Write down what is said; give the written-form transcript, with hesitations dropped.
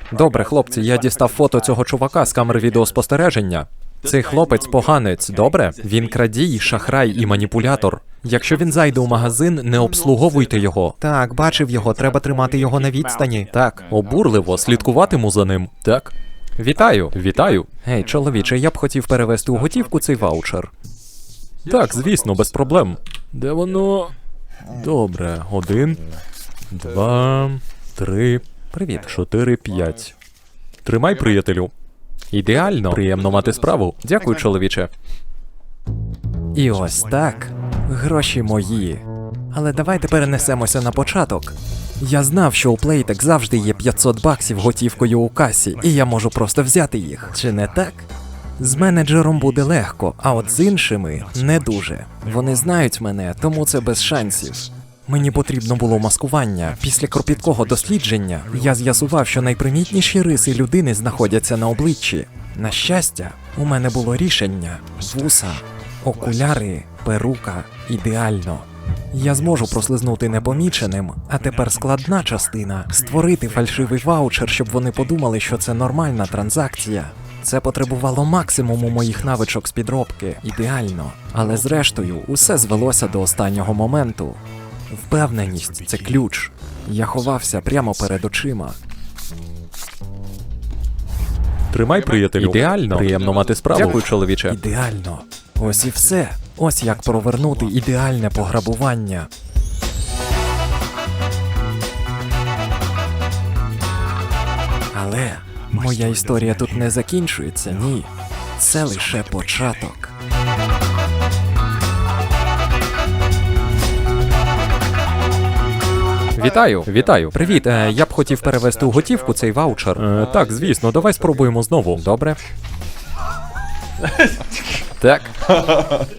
Добре, хлопці, я дістав фото цього чувака з камери відеоспостереження. Цей хлопець поганець, добре? Він крадій, шахрай і маніпулятор. Якщо він зайде у магазин, не обслуговуйте його. Так, бачив його, треба тримати його на відстані. Так, обурливо, слідкуватиму за ним. Так. Вітаю, вітаю. Гей, чоловіче, я б хотів перевести у готівку цей ваучер. Так, звісно, без проблем. Де воно? Добре, 1, 2, 3, привіт, 4, 5. Тримай, приятелю. Ідеально. Приємно мати справу. Дякую, чоловіче. І ось так. Гроші мої. Але давайте перенесемося на початок. Я знав, що у Playtech завжди є 500 баксів готівкою у касі, і я можу просто взяти їх. Чи не так? З менеджером буде легко, а от з іншими не дуже. Вони знають мене, тому це без шансів. Мені потрібно було маскування. Після кропіткого дослідження я з'ясував, що найпримітніші риси людини знаходяться на обличчі. На щастя, у мене було рішення. Вуса, окуляри, перука. Ідеально. Я зможу прослизнути непоміченим, а тепер складна частина – створити фальшивий ваучер, щоб вони подумали, що це нормальна транзакція. Це потребувало максимуму моїх навичок з підробки. Ідеально. Але зрештою, усе звелося до останнього моменту. Впевненість – це ключ. Я ховався прямо перед очима. Тримай, приятелю. Ідеально. Приємно мати справу. Дякую, чоловіче. Ідеально. Ось і все. Ось як провернути ідеальне пограбування. Але моя історія тут не закінчується, ні. Це лише початок. Вітаю, вітаю. Привіт, я б хотів перевести у готівку цей ваучер. Так, звісно, давай спробуємо знову. Добре? Так.